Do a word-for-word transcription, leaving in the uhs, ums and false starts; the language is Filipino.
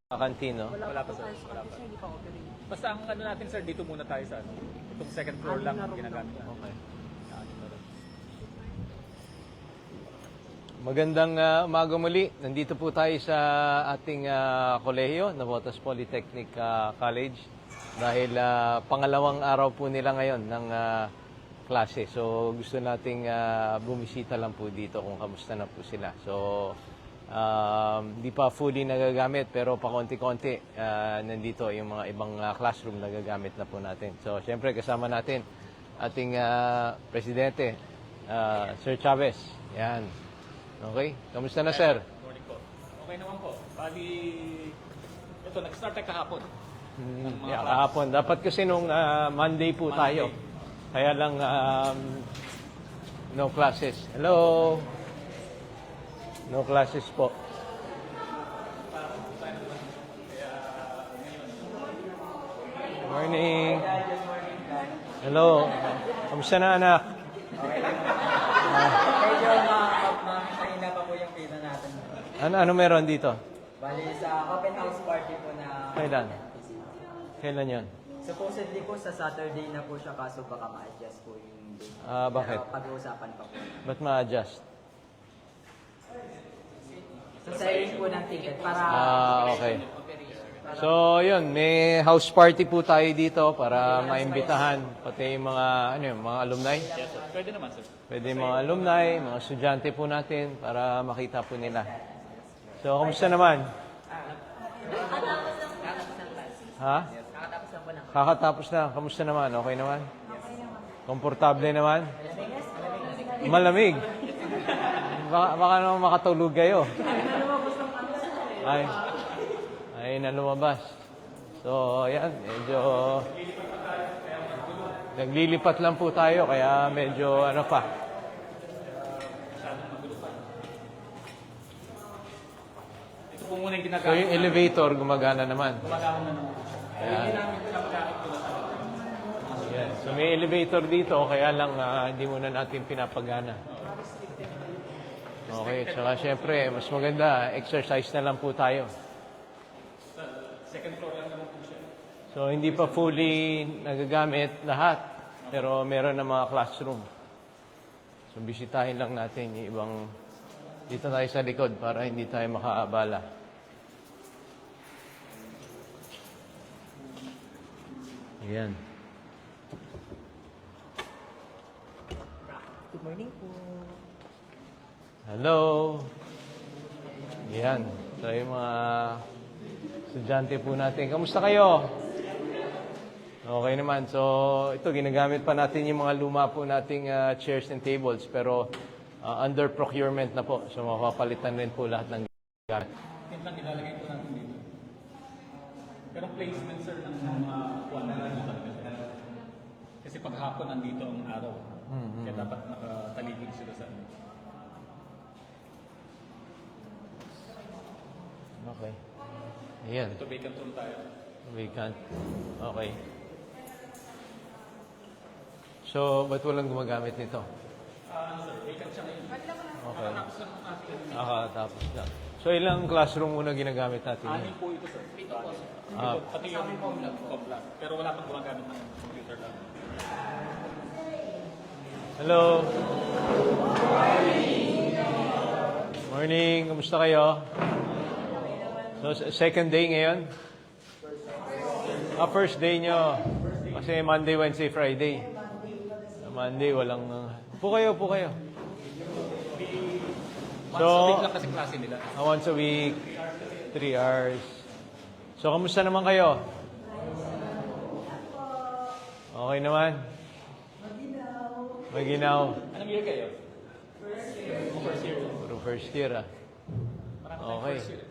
Kantino. Wala pa, sir. Wala pa. Basta ang ano natin, sir, dito muna tayo sa ano. Itong second floor lang ang ginagamit natin. Okay. Ano na rin. Magandang uh, umaga muli. Nandito po tayo sa ating uh, kolehiyo, Navotas Polytechnic uh, College. Dahil uh, pangalawang araw po nila ngayon ng uh, klase. So gusto nating uh, bumisita lang po dito kung kamusta na po sila. So Um, di pa fully nagagamit pero pa konti-konti uh, nandito yung mga ibang uh, classroom nagagamit na po natin. So, syempre kasama natin ating uh, presidente, uh, Sir Chavez. Yan. Okay? Kamusta na, sir? Morning po. Okay naman po. Bali, ito, nag-start tayo kahapon. Hmm, yeah, kahapon. Dapat kasi nung uh, Monday po Monday. tayo. Kaya lang um, no classes. Hello? No classes po. Morning. Hello. Kamusta na, anak? Medyo mahina pa po yung pina natin. Ano, ano meron dito? Bali sa open house party po na... Kailan? Kailan yon? Supposedly po sa Saturday na po siya kaso baka ma-adjust po yung date. Ah, bakit? Pero pag-uusapan pa po. Ba't ma-adjust? So selling po ng ticket para... Ah, okay. So, yun, may house party po tayo dito para maimbitahan pati yung mga, ano yun, mga alumni. Yes, sir. Pwede naman, sir. Pwede yung mga alumni, mga estudyante po natin para makita po nila. So, kamusta naman? Ha? Kakatapos na. Kamusta naman? Okay naman? Komportable naman? Malamig. Baka, baka naman makatulog kayo. Ay, ay na lumabas. So, ayan, medyo naglilipat lang po tayo, kaya medyo ano pa. Ito po muna yung So, ginagamit. yung elevator gumagana naman. Gumagana na naman. Ayan. Hindi namin pinapagamit ko na sa Ayan. So, may elevator dito, kaya lang ah, hindi muna natin pinapagana. Okay, tsaka syempre, mas maganda, exercise na lang po tayo. second floor lang naman po siya. So, hindi pa fully nagagamit lahat, pero meron na mga classroom. So, bisitahin lang natin yung ibang, dito tayo sa likod para hindi tayo makaabala. Ayan. Good morning po. Hello. Ayan. So, yung mga estudyante po natin. Kamusta kayo? Okay naman. So, ito, ginagamit pa natin yung mga luma po nating uh, chairs and tables. Pero, uh, under procurement na po. So, mapapalitan rin po lahat ng gamit. Yun lang ilalagay po natin dito. Pero placement, sir, ng mga kuwan na lang dito. Kasi paghapon nandito ang araw. Mm-hmm. Kaya dapat nakataligid sila sa ano. Okay. Ayan. Ito vacant room tayo. Vacant. Okay. So, ba't walang gumagamit nito? Ah, ano sir, vacant siya ngayon. Okay. Tapos lang natin. Nakatapos na. So, ilang classroom muna ginagamit natin? Anim po ito, sir. Ito po, sir. Ah. Ito, pati yung complan. Pero wala pang gumagamit ng computer lang. Hello. Morning. Kamusta kayo? So, second day ngayon? Ah, first day nyo. Kasi Monday, Wednesday, Friday. Monday, walang... Uh... Upo kayo, upo kayo. Once a week lang kasi klase nila. Uh, once a week, three hours. So, kamusta naman kayo? Okay naman? Maginaw. Anong year kayo? First year. First year. Puro first year, ah. Marami tayong Okay. first year.